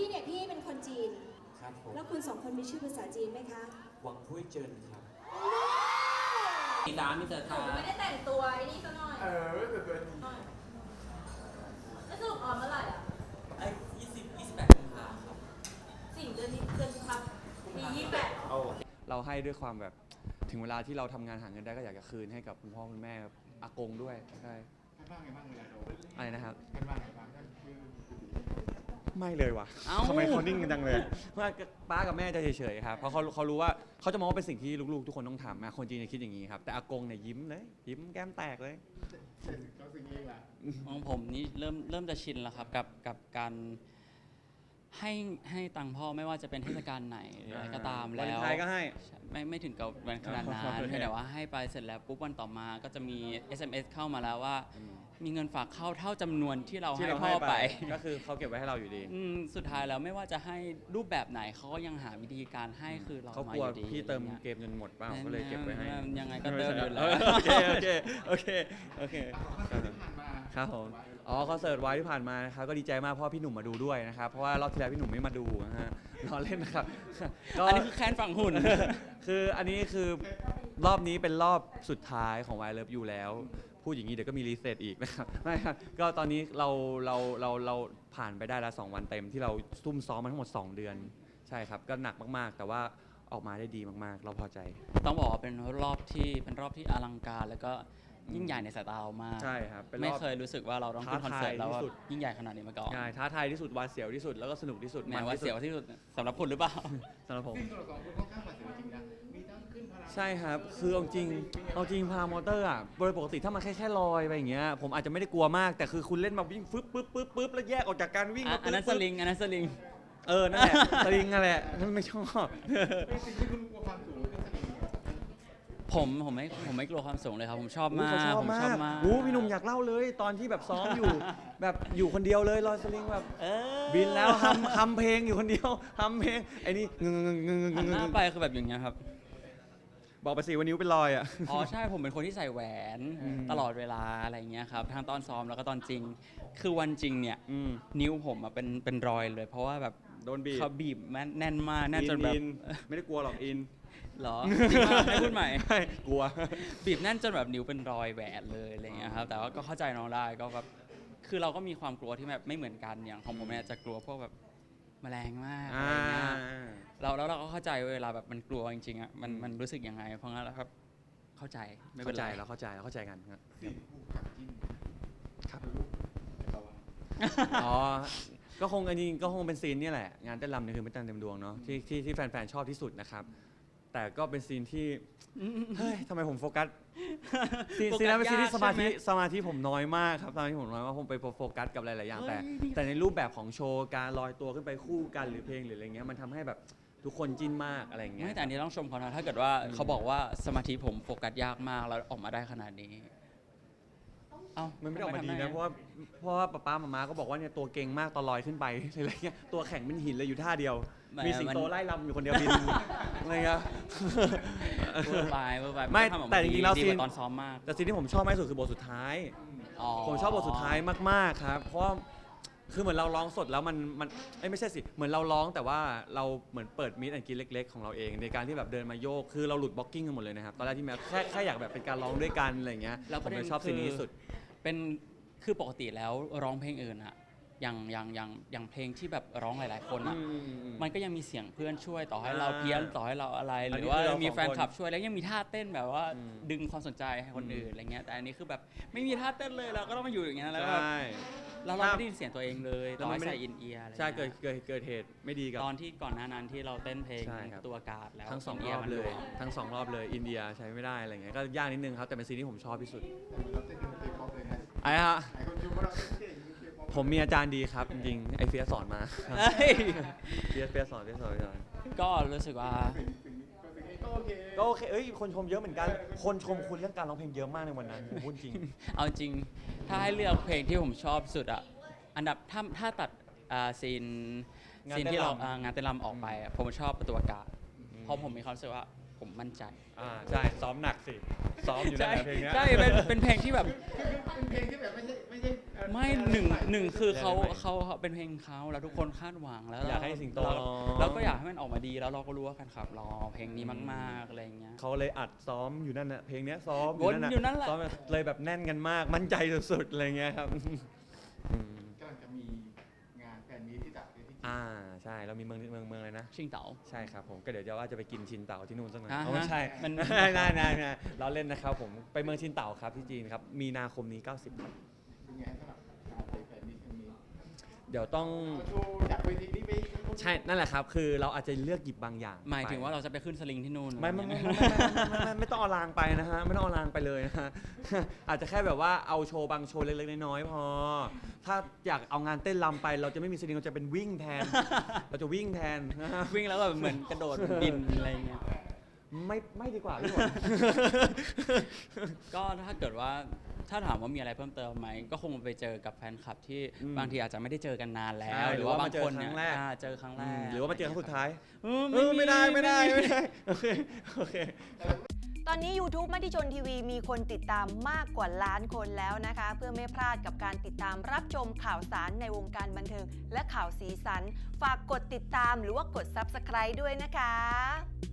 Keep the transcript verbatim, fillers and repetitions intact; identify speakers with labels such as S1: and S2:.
S1: พี่เนี่ยพี่เป็นคนจีน
S2: ครับผม
S1: แล้วคุณสองคนมีชื่อภาษาจีนไหมคะ
S2: หวังพุ้ยเจินครับ
S3: มีดามิเตอร์ทา
S4: ไม่ได้แต่งตัวไอ้นี่ซะหน่อย
S5: เออแต่ตัวนี้
S4: หน่อยแล้วสรุปออนเมื่อไหร่อ่ะ
S3: ไอ้ยี่สิบยี่สิบแปดกุมภาครับ
S4: สิ่งเดือนนี้เดือนกุมภาพันธ์มียี่สิบแปด
S6: เราให้ด้วยความแบบถึงเวลาที่เราทำงานหาเงินได้ก็อยากจะคืนให้กับคุณพ่อคุณแม่อากงด้วยใช่
S5: ท่านว่าไงบ้างเวลาโดน
S6: อะไรนะครับ
S5: ท่านว่าไงบ้างท่านคือ
S6: ไม่เลยว่ะ
S3: เอ้า
S6: ทำไมเขานิ่งกันจังเลยว่าป้ากับแม่จะเฉยๆครับเพราะเขาเขารู้ว่าเขาจะมองว่าเป็นสิ่งที่ลูกๆ ทุกคนต้องทำนะคนจีนจะคิดอย่างนี้ครับแต่อากงเนี่ยยิ้มเลยยิ้มแก้มแตกเลย
S5: เสร็จก็สิ่งนี้ละ
S3: ของผมนี่เริ่มเริ่มจะชินแล้วครับกับกับการให้ให้ตังค์พ่อไม่ว่าจะเป็นเทศกาลไหนหรืออะไรก็ตาม
S6: วัน
S3: แล้ว
S6: ไทยก็ให้
S3: ไม่ไม่ถึงกับวันขนาดนั้น
S6: โอเค
S3: เพียงแต่ว่าให้ไปเสร็จแล้วปุ๊บวันต่อมาก็จะมี เอส เอ็ม เอส เข้ามาแล้วว่า มีเงินฝากเข้าเท่าจำนวนที่เรา
S6: ที่
S3: ให้
S6: เรา
S3: พ่
S6: ให้
S3: อ
S6: ไป
S3: ไป
S6: ก็คือเขาเก็บไว้ให้เราอยู่ดี
S3: อืมสุดท้ายแล้วไม่ว่าจะให้รูปแบบไหนเขาก็ยังหาวิธีการให้คือเรา
S6: เขา
S3: มาก
S6: ลัว
S3: อยู่ดี
S6: พี่เติม
S3: อะไรงี้ย
S6: เกมจนหมดเปล่าก็เลยเก็บไว้ให้
S3: ยังไงก็เติมอยู่แล้ว
S6: โอเคโอเคโอเคโอเค
S5: คอนเสิร์ตที่ผ่านมา
S6: ครับผม อ๋อคอนเสิร์ตไว้ที่ผ่านมานะครับก็ดีใจมากเพราะว่าพี่หนุ่มมาดูด้วยนะครับเพราะว่ารอบที่แล้วพี่หนุ่มไม่มาดูนะฮะล้อเล่นนะครับก็
S3: อันนี้คือแค้นฝั่งหุ่น
S6: คืออันนี้คือรอบนี้เป็นรอบสุดท้ายของ Why Love You แล้ว พูดอย่างนี้เดี๋ยวก็มีรีเซ็ตอีกนะครับไม่ครับก็ตอนนี้เราเราเราเราผ่านไปได้แล้วสองวันเต็มที่เราซุ่มซ้อมมาทั้งหมดสองเดือนใช่ครับก็หนักมากๆ แต่ว่าออกมาได้ดีมากๆ เราพอใจ
S3: ต้องบอกว่าเป็นรอบที่เป็นรอบที่อลังการแล้วก็ยิ่งใหญ่ในสายตาเรามาก
S6: ใช่ครับเป็นรอบ
S3: ไม่เคยรู้สึกว่าเราต้องขึ้นคอนเสิร์ตแล้วว่า
S6: ท้าทายที่สุด
S3: ยิ่งใหญ่ขนาดนี้มาก่อน
S6: ง่ายท้าทายที่สุดหวาดเสียวที่สุดแล้วก็สนุกที่สุด
S3: แม้
S6: มัน
S3: ว่า
S6: ที่สุ
S3: เสี
S6: ด
S3: ยวที่สุดสำหรับคุณหรือเปล่า
S6: สำหรับผม
S5: ซึ่งตัวละครคุณค่อนข้างหวาดเสียวจริงนะมีทั้งขึ้นพลัง
S6: ใช่ครับ คือเอาจริง เอาจริงพามอเตอร์อ่ะ โดยปกติถ้ามันแค่แค่ลอยไปอย่างเงี้ย ผมอาจจะไม่ได้กลัวมาก แต่คือคุณเล่นมาวิ่งฟึบปึ๊บปึ๊บปึ๊บแล้วแยกออกจากการวิ่ง
S3: อ่ะ
S6: มา
S3: อันนั้นส
S6: ปึ๊บ
S3: ลิงอันนั้นสลิง
S6: เออ นั่นแหละ สลิงนั่นแหละนั่นไม่ชอบ
S5: เป็นสิ่งที่คุณกลัวความสูงขึ้นสนิท
S3: ผมผมไม่ผมไม่กลัวความสูงเลยครับ ผมชอบ
S6: อุ๊ย
S3: มาก
S6: เขาชอบ
S3: ผม
S6: มา
S3: ชอบ
S6: ก
S3: มาก
S6: โอ้พี่หนุ่มอยากเล่าเลย ตอนที่แบบซ้อมอยู่ แบบอยู่คนเดียวเลยลอยสลิงแบบ
S3: เออ
S6: บินแล้วทำทำเพลงอยู่คนเดียวทำเพลง ไอ้นี่งงงงงง
S3: หัน
S6: ง
S3: หน้าง ไปคือแบบอย่างเงี้ยครับ
S6: บอกไปสิวันนิ้วเป็นรอยอ่ะ
S3: อ๋อใช่ผมเป็นคนที่ใส่แหวน
S6: อืม
S3: ตลอดเวลาอะไรเงี้ยครับทั้งตอนซ้อมแล้วก็ตอนจริง คือวันจริงเนี่ย
S6: อืม
S3: นิ้วผมอะเป็นเป็นรอยเลย เพราะว่าแบบ
S6: โดนบีบ
S3: เขาบีบแม่นแน่นมากแน่นจนแบบ
S6: อิไม่ได้กลัวหรอกอิน
S3: เหรอจริงปะให้พูดใหม่
S6: ไม่กลัว
S3: บีบแน่นจนแบบนิ้วเป็นรอยแหวนเลยอะไรเงี้ยครับแต่ว่าก็เข้าใจน้องได้ก็แบบคือเราก็มีความกลัวที่แบบไม่เหมือนกันอย่างของผมเนี่ยจะกลัวพวกแบบแมลงมากอะไร
S6: อ่า
S3: เงี้ยเราแล้วเราก็เข้าใจเวลาแบบมันกลัวจริงๆอ่ะมันมันรู้สึกยังไงเพราะงั้นแล้วครับเข้าใจไม่เป็
S6: เข้าน ใจ
S3: ไร
S6: เราเข้าใจเราเข้าใจกันครับ
S5: สี่คู่กับจิ้น
S6: ครับ
S5: ลูกเราอะ
S6: อ๋อ ก็คงอันนี้ก็คงเป็นซีนนี่แหละ งานเต้นรำเนี่ยคือเป็นเต้นเต็มดวงเนาะที่ที่ที่แฟนๆชอบที่สุดนะครับ แต่ก็เป็นซีนที่ เฮ้ยทำไมผมโฟกัส ซีนซีนนั้นเป็นซีนที่สมาธิสมาธิผมน้อยมากครับสมาธิผมน้อยมากผมไปโฟกัสกับหลายๆอย่างแต่ แต่ในรูปแบบของโชว์การลอยตัวขึ้นไปคู่กันหรือเพลงหรืออะไรเงี้ยมันทำให้แบบทุกคนจิ้นมากอะไรเงี้ย
S3: ไม่แต่อันนี้ต้องชมเขานะถ้าเกิดว่า
S6: อืม
S3: เขาบอกว่าสมาธิผมโฟกัสยากมากแล้วออกมาได้ขนาดนี้เอ้า
S6: มันไม่ได้ออกมาดี
S3: ทำ
S6: นะเพราะว่าเพราะว่าป๊าป๊ามาม่าก็บอกว่าเนี่ยตัวเก่งมากตอนลอยขึ้นไป อะไรเงี้ยตัวแข็งเป็นหินเลยอยู่ท่าเดียว มีสิงโตไล่ลำอยู่คนเดียวบินอะไรเงี้ย
S3: เวอร์ไปเวอร์ไป
S6: ไม่
S3: ทำออกา
S6: แต่จริงๆแล้ว
S3: ดี
S6: ซี
S3: ก
S6: น
S3: ว่าตอนซ้อมมาก
S6: แต่ซีนที่ผมชอบมากที่สุดคือบทสุดท้าย
S3: อ๋อ
S6: ผมชอบบทสุดท้ายมากๆครับ เพราะว่าคือเหมือนเราร้องสดแล้วมันมันเอ้ยไม่ใช่สิ เหมือนเราร้องแต่ว่าเราเหมือนเปิดมิดแอนกินเล็ก ๆ ของเราเอง ในการที่แบบเดินมาโยก คือเราหลุดบล็อกกิ้งกันหมดเลยนะครับ ตอนแรกที่แม้แค่แค่อยากแบบเป็นการร้องด้วยกันอะไรอย่างเงี้ย
S3: แล้ว
S6: ผ
S3: ประ
S6: ม
S3: เด็
S6: เลย
S3: น
S6: ชอบซีนนี้ที่สุด
S3: เป็นคือปกติแล้วร้องเพลงอื่นอะอย่างอย่างอย่างอย่างเพลงที่แบบร้องหลาย ๆ คนอะมันก็ยังมีเสียงเพื่อนช่วยต่อให้เรา
S6: อ่า
S3: เพี้ยนต่อให้เราอะไรห
S6: อัน
S3: รื
S6: นี้
S3: อว่า
S6: คือเรา
S3: มี
S6: สอง
S3: แฟน
S6: คน
S3: คลับช่วยแล้วยังมีท่าเต้นแบบว่า
S6: อืม
S3: ดึงความสนใจให้คน
S6: อืม
S3: อื่นอะไรเงี้ยแต่อันนี้คือแบบไม่มีท่าเต้นเลยเราก็ต้องมาอยู่อย่างเงี้ยแล้วแบบ
S6: ใช่
S3: แล้วเราไม่ได้ยินเสียงตัวเองเลย
S6: แล้ว
S3: ต่อ
S6: มัน
S3: ให้
S6: ไม่ได้
S3: ใส่อินเอียร์อะไร
S6: ใช่เกิด
S3: งี้ย
S6: เกิดเกิดเหตุไม่ดีกับ
S3: ตอนที่ก่อนหน้านั้นที่เราเต้นเพลง
S6: ใช่ครับ
S3: ตัวอากาศแล้ว
S6: ทั้งสอง
S3: น
S6: ร
S3: เย
S6: อบ
S3: มัน
S6: เลย
S3: หว
S6: ทั้งสองรอบเลย อินเดียใช้ไม่ได้อะไรเงี้ย ก็ยากนิดนึงครับ แต่เป็นซีนที่ผมชอบที่สุด
S5: แต่เหมือนเราเต้นเป็นเคป๊อปเลยนะ
S6: ไอ้ฮะ
S5: หลายคนชมว่าเราเต้นเก่งเคป๊อป
S6: ผมมีอาจารย์ดีครับ จริงๆ ไอเฟียสสอนมา
S3: เฮ้ย
S6: เฟียสเฟียสสอนเฟียสสอนเฟียสสอน
S3: ก็รู้สึกว่า
S5: สิ่งสิ่งนี้ก็สิ่งนี้ก็โอเค
S6: ก็โอเค เอ้ย คนชมเยอะเหมือนกัน คนชมคุณเรื่องการร้องเพลงเยอะมากในวันนั้นผมพูดจริง
S3: เอาจริง ถ้าให้เลือกเพลงที่ผมชอบสุดอะอันดับถ้าถ้าตัดอ่าซีน
S6: งาน
S3: ซีน
S6: เต้น
S3: ที่เรา
S6: รำ
S3: อ่างานเต้นรำออกไปอะผมชอบประตูอากาศเพราะผมมีความรู้สึกว่าผมมั่นใจ
S6: อ่า ใช่ ซ้อมหนักสิ ซ้อมอยู่นั่นแหละเพลงเนี้ย
S3: ใช่เป็นเป็นเพลงที่แบบ
S5: คือเป็นเพลงที่แบบไม่ใช่ไม่ใช่เอ
S3: ไม่หนึ่งหนึ่งคือเขา
S6: ได้ไหม
S3: เขาเขาเป็นเพลงเขาแล้วทุกคนคาดหวังแล้ว
S6: อยากให้สิงโต
S3: เรา
S6: ร้อง
S3: เราก็อยากให้มันออกมาดีแล้วเราก็รู้ว่าแฟนคลับรอเพลงนี้มากๆอะไรอย่างเงี้ย
S6: เขาเลยอัดซ้อมอยู่นั่นน่ะเพลงเนี้ยซ้อม
S3: วนอยู่นั่นแหละ
S6: ซ้อมเลยแบบแน่นกันมากมั่นใจสุดๆอะไรเงี้ยครับอืม
S5: กำลังจะมีงานแฟนมีตที่จัดที่จีน
S6: อ่าใช่เรามีเมืองเมืองเมืองอะไรนะ
S3: ชิงเต๋า
S6: ใช่ครับผมก็เดี๋ยวจะว่าจะไปกินชินเต่าที่นู่นสักหน่อย
S3: อ่าฮะ
S6: เอาไม่ใช่
S3: มัน
S6: ไม่ได้ได้ได้เราเล่นนะครับผมไปเมืองชินเต่าครับที่จีนครับมีนาคมนี้เก้าสิบครับ
S5: เป็นไงสำหรับการไปแฟนมีตครั้งนี้
S6: เดี๋ยวต้อง
S5: เอาโชว์จากเวทีนี้ไป
S6: ใช่นั่นแหละครับคือเราอาจจะเลือกหยิบบางอย่าง
S3: หมายถึง
S6: ไป
S3: ว่าเราจะไปขึ้นสลิงที่นู่น
S6: ไม่ไม่
S3: อะร
S6: ไม่
S3: เงี้ย
S6: ไม่ไม่ไม่ไม่ต้องเอารางไปนะฮะไม่ต้องเอารางไปเลยนะฮ ะ อาจจะแค่แบบว่าเอาโชว์บางโชว์เล็กๆน้อยๆพอ ถ้าอยากเอางานเต้นรำไป เราจะไม่มีสลิงเราจะเป็นวิ่งแทน เราจะวิ่งแทนนะฮะ
S3: วิ่งแล้วก็แบบเหมือนกระโดดบินอะไรเงี้ย
S6: ไม่ไม่ดีกว่าพี่ฝน
S3: ก็ถ้าเกิดว่าถ้าถามว่ามีอะไรเพิ่มเติมไหมก็คงไปเจอกับแฟนคลับที่
S6: อืม
S3: บางทีอาจจะไม่ได้เจอกันนานแล้
S6: ใช่
S3: ว
S6: ห
S3: ห
S6: รื
S3: รือ อ
S6: ว่า
S3: ว่า
S6: มา
S3: บาง
S6: เจอ
S3: คน
S6: ครั้
S3: เนี่ย
S6: งแรก
S3: อ่าเจอครั้งแร
S6: อืม
S3: ก
S6: หรือว่ามาเจอครั้งสุดท้าย
S3: เออ
S6: เออไม่ได้ไม่ได้ไม่ได้โอเคโอเค
S7: ตอนนี้ YouTube มติชนทีวีมีคนติดตามมากกว่าล้านคนแล้วนะคะ เพื่อไม่พลาดกับการติดตามรับชมข่าวสารในวงการบันเทิงและข่าวสีสัน ฝากกดติดตามหรือว่ากด ซับสไครบ์ ด้วยนะคะ